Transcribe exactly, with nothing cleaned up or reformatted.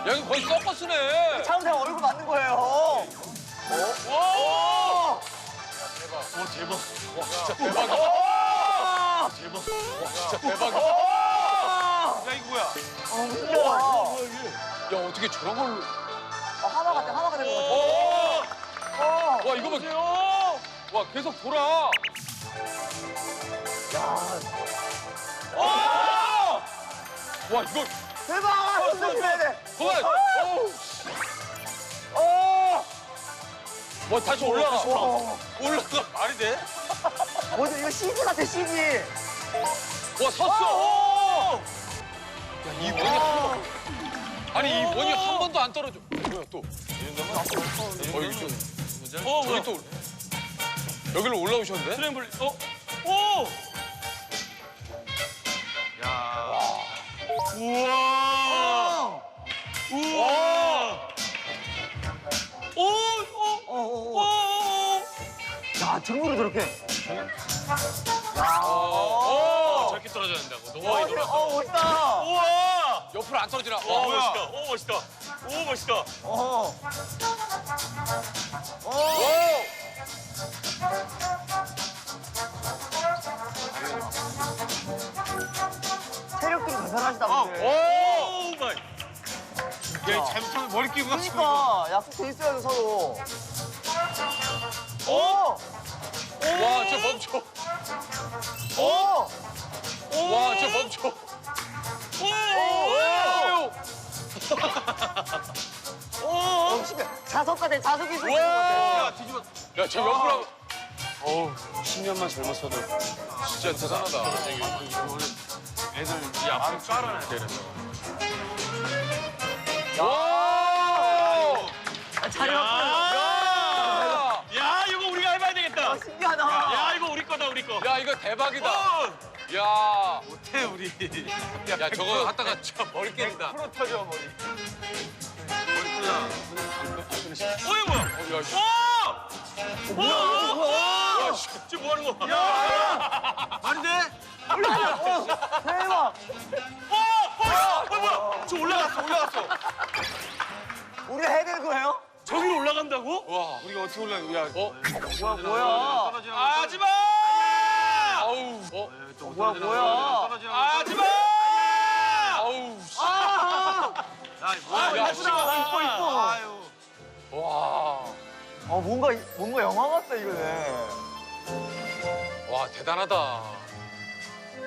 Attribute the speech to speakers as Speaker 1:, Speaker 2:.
Speaker 1: 야, 이거 거의 서커스네.
Speaker 2: 차은택 얼굴 맞는 거예요. 어?
Speaker 1: 와!
Speaker 3: 와 대박.
Speaker 1: 와, 진짜 대박이다.
Speaker 2: 와!
Speaker 3: 대박.
Speaker 1: 와, 진짜 대박이다.
Speaker 3: 야 이거 뭐야?
Speaker 2: 어, 웃겨.
Speaker 1: 야, 어떻게 저런 걸로.
Speaker 2: 아, 하나 같아, 하나가 된 거 같아.
Speaker 1: 오!
Speaker 2: 어.
Speaker 1: 와, 이거 봐. 와, 계속 돌아.
Speaker 2: 야,
Speaker 1: 와! 와, 이거.
Speaker 2: 대박! 진짜 해야 돼.
Speaker 1: 그만. 어우.
Speaker 2: 어!
Speaker 1: 와, 다시 올라가.
Speaker 2: 와.
Speaker 1: 올라가. 말이 돼?
Speaker 2: 뭐지, 이거 씨지 같아, 씨지.
Speaker 1: 와, 섰어. 야, 이 원이 한 번. 아니, 이 원이 한 번도 안 떨어져. 뭐야, 또. 어, 여기 좀.
Speaker 3: 어
Speaker 1: 저기
Speaker 3: 뭐야?
Speaker 1: 또. 여기로 올라오셨는데?
Speaker 3: 트램블. 어? 오! 야. 우와. 우와. 오! 오!
Speaker 2: 어, 어,
Speaker 3: 오!
Speaker 2: 어. 야, 등으로 저렇게. 야.
Speaker 1: 어.
Speaker 3: 저렇게 떨어져야 된다고. 너무
Speaker 2: 어,
Speaker 3: 많이 돌아.
Speaker 2: 어, 멋있다.
Speaker 3: 우와!
Speaker 1: 옆으로 안 떨어지나?
Speaker 3: 오
Speaker 1: 와,
Speaker 3: 멋있다. 오 멋있다. 오 멋있다.
Speaker 2: 어. 어.
Speaker 1: 오!
Speaker 2: 체력들이 대단하시다, 근데.
Speaker 3: 오 마이. 야, 잘못하면 머리 끼고 갔어.
Speaker 2: 그러니까 약속돼 있어야죠, 서로. 오!
Speaker 1: 와, 저 멈춰.
Speaker 2: 오!
Speaker 1: 와, 저 멈춰.
Speaker 3: 오!
Speaker 2: 오! 오! 신기해. 자석 같아, 자석이 있는 것 같아.
Speaker 1: 와!
Speaker 3: 야, 뒤집어.
Speaker 1: 야, 저 옆으로. 어우, 십 년만 젊었어도 진짜 대단하다.
Speaker 3: 애들 이 앞으로 깔아놔야 돼, 그래서.
Speaker 1: 와!
Speaker 2: 아, 자리
Speaker 3: 야!
Speaker 2: 바꿔요.
Speaker 3: 야, 이거 우리가 해봐야 되겠다.
Speaker 2: 아, 신기하다.
Speaker 3: 야, 이거 우리 거다, 우리 거.
Speaker 1: 야, 이거 대박이다.
Speaker 3: 어!
Speaker 1: 야,
Speaker 3: 못해, 우리.
Speaker 1: 야, 저거 하다가 진짜 머리 깨진다.
Speaker 3: 프로 터져, 머리. 어, 이거 뭐야?
Speaker 1: 야, 씨.
Speaker 3: 오! 오! 오!
Speaker 1: 야, 씨.
Speaker 3: 지금 뭐 하는 거야?
Speaker 2: 야!
Speaker 3: 안 돼?
Speaker 2: 올라가! 어, 대박!
Speaker 3: 어! 어! 어, 뭐야? 저 올라갔어, 올라갔어.
Speaker 2: 우리가 해야 되는 거예요?
Speaker 3: 저기로 올라간다고?
Speaker 1: 와,
Speaker 3: 우리가 어떻게 올라가? 야,
Speaker 1: 어?
Speaker 2: 뭐야, 뭐야?
Speaker 3: 하지 마!
Speaker 1: 아우, 어?
Speaker 2: 뭐야, 뭐야?
Speaker 3: 하지 마!
Speaker 1: 아우, 씨.
Speaker 2: 아!
Speaker 3: 야,
Speaker 2: 아,
Speaker 1: 야,
Speaker 2: 이쁘다. 이뻐, 이뻐.
Speaker 3: 아유.
Speaker 1: 와,
Speaker 2: 아, 뭔가, 뭔가 영화 같다, 이거는.
Speaker 1: 와, 대단하다.